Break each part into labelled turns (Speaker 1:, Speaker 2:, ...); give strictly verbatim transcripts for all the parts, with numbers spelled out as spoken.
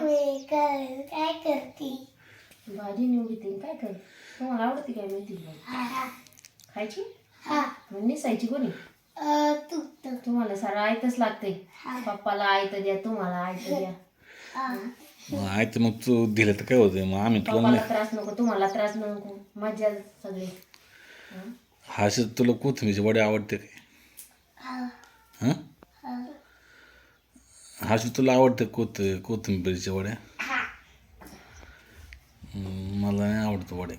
Speaker 1: मी काय काय करते?
Speaker 2: भाजी निवडते काय कर. तुम्हाला आवडते काय मेथी खायची?
Speaker 1: हा
Speaker 2: मग निसायची कोणी?
Speaker 1: तू
Speaker 2: तुम्हाला सारं आयतच लागते. पप्पाला आयत द्या, तुम्हाला आयत द्या.
Speaker 3: मग आहे तर मग तू दिलं तर काय होतं मग आम्ही तुला
Speaker 2: पप्पाला त्रास नको, तुम्हाला त्रास नको, मजा सगळी.
Speaker 3: हाश तुला कोथिंबीरची वडे आवडते काय? हां हाश तुला आवडते कोथ कोथिंबीरच्या वड्या? हम्म, मला नाही आवडतं वडे.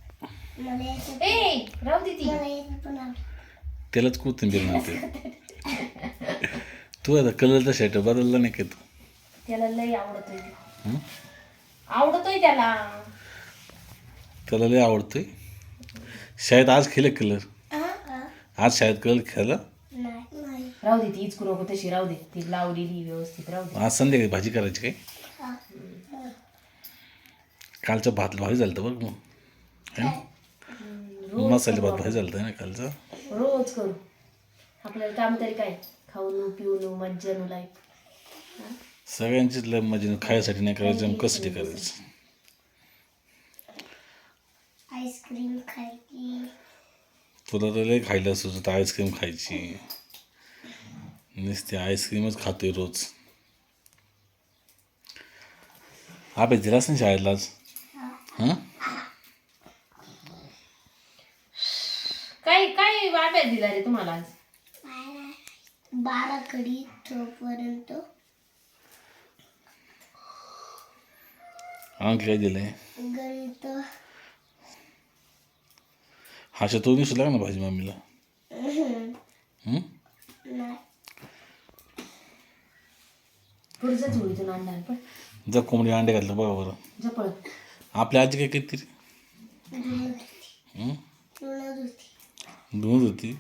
Speaker 2: ए राहू दे ती.
Speaker 3: त्यालाच कोथिंबीर म्हणते. तू आता कलरचा शर्ट बदलला नाही का तू?
Speaker 2: त्याला लई आवडतोय ते.
Speaker 3: हं?
Speaker 2: आवडतोय त्याला.
Speaker 3: त्याला लय आवडतोय. शाळेत आज खेळ कलर, आज शाळेत कलर खेळला.
Speaker 2: राहू दे ती इचकू नको तशी, राहू दे ती लावलेली व्यवस्थित राहू दे.
Speaker 3: आज संध्याकाळी भाजी करायची काय? कालचं भात भारी झालं होतं बघ मग.
Speaker 2: रोज
Speaker 3: मसाले
Speaker 2: करू
Speaker 3: भात भारी झालं होतं ना कालचं.
Speaker 2: आपण. रोज करू. आपल्याला काम तरी काय, खाऊन पिऊन मज्जा लाईफ.
Speaker 3: सगळ्यांचीच लय मजा खायसाठी नाही करायचं मग कशासाठी करायचं.
Speaker 1: आईस्क्रीम खायची.
Speaker 3: तुला तर लय खायला सुचत आईस्क्रीम खायची. नुसती आईस्क्रीमच खातोय रोज. अभ्यास दिलास ना शाळेला आज? हां
Speaker 2: काय काय अभ्यास दिला रे तुम्हाला आज?
Speaker 1: बारा कडी तोपर्यंत
Speaker 3: अंक काय दिलंय?
Speaker 1: गणित.
Speaker 3: हाशा तो दिसू लाग ना भाजी मम्मीला. हं?
Speaker 1: नाही
Speaker 2: पुढचंच होईतून आणणार पण
Speaker 3: जर कोंबडी अंडे घातलं बघा बरं.
Speaker 2: जपळ.
Speaker 3: आपल्या आजी काय किती रे? हं?
Speaker 1: तुळत होती.
Speaker 3: धुवत होती.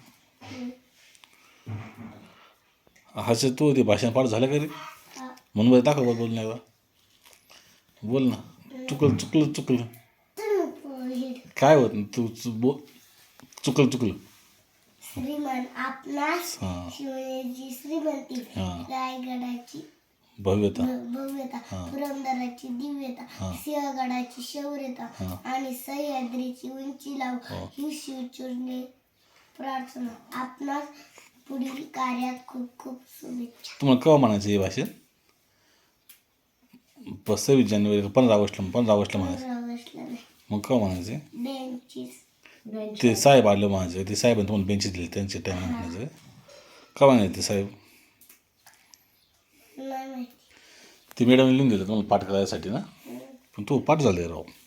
Speaker 3: हाशा तू होती भाषण पाठ झालं का रे? म्हणून बरं दाखव बरं बोलण्याला. बोल ना. चुकलं चुकलं चुकलं काय होत ना तू चु- बोल. चुकलं चुकलं.
Speaker 1: श्रीमंत आपणास
Speaker 3: हां
Speaker 1: शिवनेची श्रीमंती,
Speaker 3: हां
Speaker 1: रायगडाची
Speaker 3: भव्यता.
Speaker 1: भ- भव्यता, पुरंदराची दिव्यता, सिंहगडाची शौर्यता आणि सह्याद्रीची उंची लाव ही शिवचरणी प्रार्थना. आपणास पुढील कार्यात खूप खूप शुभेच्छा.
Speaker 3: तुम्हाला केव्हा म्हणायचं हे भाषण? प सव्वीस जानेवारी पंधरा ऑगस्टला पंधरा ऑगस्टला म्हणायचं.
Speaker 1: पंधरा ऑगस्टला नाही,
Speaker 3: मग केव्हा म्हणायचे?
Speaker 1: बेंचीस.
Speaker 3: ते साहेब आलं म्हणायचं. ते साहेबांनी तुम्हाला बेंचेस दिले त्यांच्या टाईम म्हणायचं. केव्हा नाही ते साहेब?
Speaker 1: नाही माहिती.
Speaker 3: ते मॅडमने लिहून दिलं तुम्हाला पाठ करायसाठी ना. पण तू पाठ झाले राव.